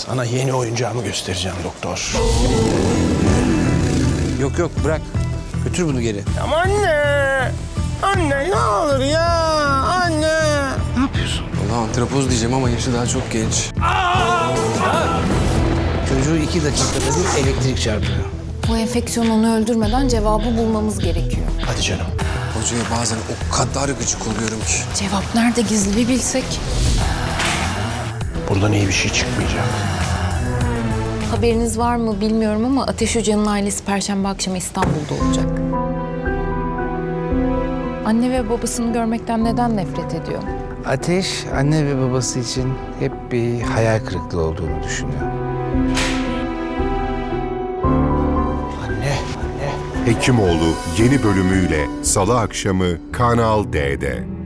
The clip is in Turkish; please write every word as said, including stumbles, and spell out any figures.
Sana yeni oyuncağımı göstereceğim doktor. Yok yok bırak. Götür bunu geri. Ama anne! Anne ne olur ya! Anne! Ne yapıyorsun? Vallahi antropoz diyeceğim ama yaşı daha çok genç. Çocuğu iki dakikada bir elektrik çarpıyor. Bu enfeksiyon onu öldürmeden cevabı bulmamız gerekiyor. Hadi canım. Hocaya bazen o kadar gıcık oluyorum ki. Cevap nerede gizli bir bilsek. Buradan iyi bir şey çıkmayacak. Haberiniz var mı bilmiyorum ama Ateş Hoca'nın ailesi Perşembe akşamı İstanbul'da olacak. Anne ve babasını görmekten neden nefret ediyor? Ateş, anne ve babası için hep bir hayal kırıklığı olduğunu düşünüyor. Anne, anne. Hekimoğlu yeni bölümüyle Salı akşamı Kanal D'de.